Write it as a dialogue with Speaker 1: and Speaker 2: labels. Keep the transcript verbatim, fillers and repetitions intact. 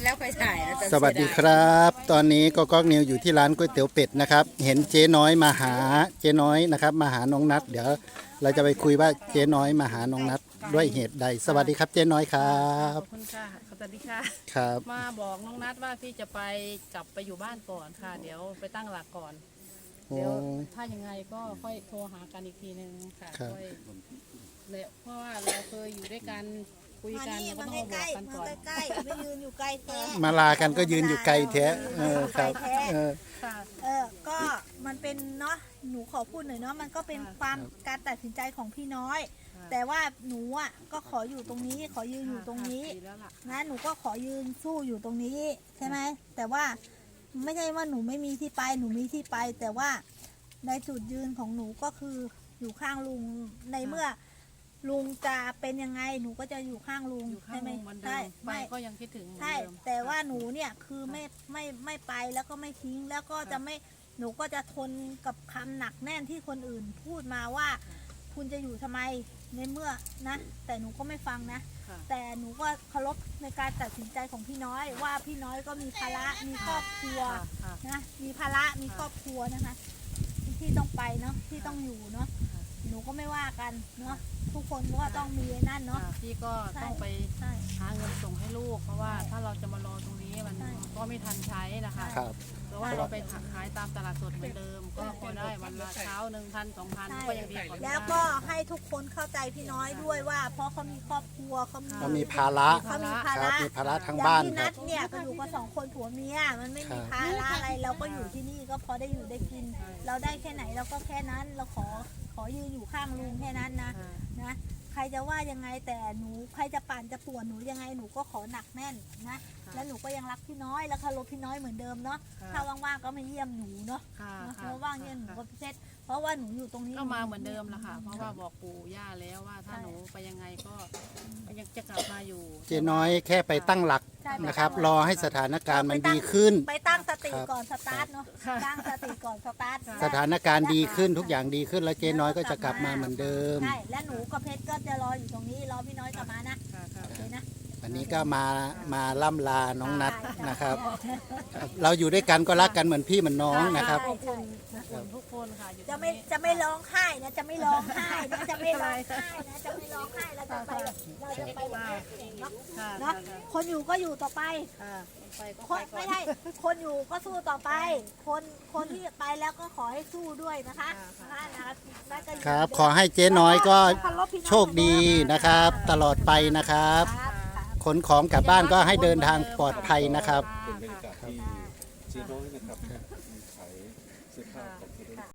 Speaker 1: แล้วไปถ่ายนะ
Speaker 2: สวัสดีครับ ตอนนี้ก็ก๊อกนิวอยู่ที่ร้านก๋วยเตี๋ยวเป็ดนะครับ เห็นเจ๊น้อยมาหาเจ๊น้อยนะครับมาหาน้องนัทเดี๋ยวเราจะไปคุยว่าเจ๊น้อยมาหาน้องนัทด้วยเหตุใดสวัสดีครับเจ๊น้อยครั
Speaker 3: ข
Speaker 2: บ
Speaker 3: อบคุณค่ะสวัสดีค่ะ
Speaker 2: ครับ
Speaker 3: มาบอกน้องนัดว่าพี่จะไปกลับไปอยู่บ้านก่อนค่ะ เดี๋ยวไปตั้งหลักก่อน
Speaker 2: โอ้
Speaker 3: เดี๋ยวถ้ายังไงก็ค่อยโทรหากันอีกทีนึงค่ะ
Speaker 2: ครับ
Speaker 3: ค่อยเลยเพราะว่าเราเคยอยู่ด้วยกันคุย
Speaker 4: มา
Speaker 3: กัน
Speaker 4: นี่
Speaker 3: ก็
Speaker 4: มา
Speaker 3: ต้อง
Speaker 4: ใก
Speaker 3: มาบ
Speaker 4: ล้
Speaker 3: อกกัน
Speaker 4: ๆมา
Speaker 3: ก่อน
Speaker 4: ใกล้ๆไม่ยืนอยู่ไกลแท้
Speaker 2: มาลากันก็ยืนอยู่ไกลแท้เออครับเออ
Speaker 3: ค่ะ
Speaker 4: เออก็มันเป็นเนาะหนูขอพูดหน่อยเนาะมันก็เป็น
Speaker 3: ค่ะ
Speaker 4: ความการตัดสินใจของพี่น้อย
Speaker 3: ค่ะ
Speaker 4: แต่ว่าหนูอ่ะก็ขออยู่ตรงนี้ ขอยืนอยู่ตรงนี้
Speaker 3: ดีแล้วล่ะ
Speaker 4: นะหนูก็ขอยืนสู้อยู่ตรงนี้ใช่ไหมแต่ว่าไม่ใช่ว่าหนูไม่มีที่ไปหนูมีที่ไป แต่ว่าในจุดยืนของหนูก็คืออยู่ข้างลุงในเมื่อ ลุงจะเป็นยังไงหนูก็จะอยู่ข้างลุง
Speaker 3: อยู่ข้าง
Speaker 4: ใช่ไหม
Speaker 3: ลุงเหมือนเดิ
Speaker 4: ใช่
Speaker 3: มไป
Speaker 4: ไม่
Speaker 3: ก็ยังคิดถึงเหมือน
Speaker 4: ใช่
Speaker 3: เดิม
Speaker 4: แต่ว่าหนูเนี่ยคือไม่ไม่ไม่ไปแล้วก็ไม่ทิ้งแล้วก็จะไม่หนูก็จะทนกับคำหนักแน่นที่คนอื่นพูดมาว่า คุณจะอยู่ทำไมในเมื่อนะ แต่หนูก็ไม่ฟังนะ
Speaker 3: ค่ะ
Speaker 4: แต่หนูก็เคารพในการตัดสินใจของพี่น้อย ว่าพี่น้อยก็มีภาระมีครอบครัว
Speaker 3: ค่ะค่ะ
Speaker 4: นะมีภาระมีครอบครัวนะคะ ที่ต้องไปเนาะที่ต้องอยู่เนาะหนูก็ไม่ว่ากันเนาะทุกคนก็ต้องมีนั่นเนาะ
Speaker 3: ค่ะพี่ก็ต้องไป
Speaker 4: ใช่
Speaker 3: หาเงินส่งให้ลูก เพราะว่าถ้าเราจะมารอตรงนี้มัน
Speaker 4: ใช่
Speaker 3: ก็ไม่ทันใช้นะคะ
Speaker 2: ครับ
Speaker 3: หรือว่าเราไปขายตามตลาดสดเหมือนเดิม ก็พอได้วันละเช้าหนึ่งพันสองพัน
Speaker 4: ใช่
Speaker 3: ก็ยังดีกว่าไม่ได้
Speaker 4: แล้วก็ให้ทุกคนเข้าใจพี่น้อยด้วยว่า เพราะเขามีครอบครัวเขามี
Speaker 2: เขามีภาระ
Speaker 4: เขามีภา
Speaker 2: ครับ
Speaker 4: ระ
Speaker 2: มีภาระทั้ง
Speaker 4: อย่าง
Speaker 2: บ้าน
Speaker 4: ที่
Speaker 2: ค
Speaker 4: นั
Speaker 2: รับ
Speaker 4: ดเนี่ยก็อยู่กันสองคนผัวเมียมันไม่มี
Speaker 2: ครับ
Speaker 4: ภาระอะไรเราก็อยู่ที่นี่ก็พอได้อยู่ได้กิน เราได้แค่ไหนเราก็แค่นั้นเราขอขอยืนอยู่ข้างลุงแค่นั้นนะ
Speaker 3: ค่ะ
Speaker 4: นะใครจะว่ายังไงแต่หนูใครจะปั่นจะป่วนหนูยังไงหนูก็ขอหนักแน่นนะแล้วหนูก็ยังรักพี่น้อยแล้วเคารพพี่น้อยเหมือนเดิมเนาะ
Speaker 3: ค่ะ
Speaker 4: ถ้าว่างๆก็มาเยี่ยมหนูเนาะ
Speaker 3: ค่ะ
Speaker 4: เพราะว่างเนี่ยหนูก็พิเศษเพราะว่าหนูอยู่ตรงนี้
Speaker 3: ก็มาเหมือนเดิมละค่ะ เพราะว่าบอกปู่ย่าแล้วว่าถ้าหนูไปยังไงก็ยังจะกลับมาอยู่
Speaker 2: เจ๊น้อยแค่ไปตั้งหลัก
Speaker 4: ใช่ไป
Speaker 2: นะครับ
Speaker 4: ตั้งห
Speaker 2: ร
Speaker 4: ลัก
Speaker 2: อให้สถานการณ์มันดีขึ้น
Speaker 4: ไปตั้งสติ
Speaker 2: ครับ
Speaker 4: ก่อนสตาร์ทเนาะตั้งสติก่อนสตาร์ท
Speaker 2: สถานการณ์ดีขึ้นทุกอย่างดีขึ้นแล้วเจ๊น้อยก็จะกลับมาเหมือนเดิม
Speaker 4: ใช่และหนูกับเพชรก็จะรออยู่ตรงนี้รอพี่น้อยกลับมานะ
Speaker 3: ค่ะค่ะ
Speaker 4: โอเคนะ
Speaker 2: วันนี้ก็มามาล่ำลาน้องนัทนะครับครับ เราอยู่ด้วยกันก็รักกันเหมือนพี่เหมือนน้องนะครับ
Speaker 4: ใช่ใช่
Speaker 3: ทุกคนทุกคนค่ะอยู่ต
Speaker 4: จะ
Speaker 3: รง
Speaker 4: ไม่
Speaker 3: นี้
Speaker 4: จะไม่ร้องไห้นะจะไม่ร้องไห้นะจะไม่ร้องไห้นะจะไม่ร้องไห้เราจะไปเราจะไปแบบนี้เนาะ
Speaker 3: ค่ะ
Speaker 4: เนาะคนอยู่ก็อยู่ต่อไป
Speaker 3: ค่ะไปก็
Speaker 4: ค
Speaker 3: ไป
Speaker 4: น
Speaker 3: ก่อน
Speaker 4: ไม่ใช่คนอยู่ก็สู้ต่อไป คนคนที่ไปแล้วก็ขอให้สู้ด้วยนะคะนะคะแล้วก็อยู่
Speaker 2: ครับ ขอให้เจ๊น้อยก็
Speaker 4: เคารพพี่น้อง
Speaker 2: โชคดีนะครับ ตลอดไปนะครับ
Speaker 4: ครับ
Speaker 2: ขนของกลับบ้านก็ให้เดินทางปลอดภัยนะครับ
Speaker 3: ค่ะ
Speaker 5: เป็นบรรยากาศที่เจ๊น้อยนะครับขายเสื้อผ้าของ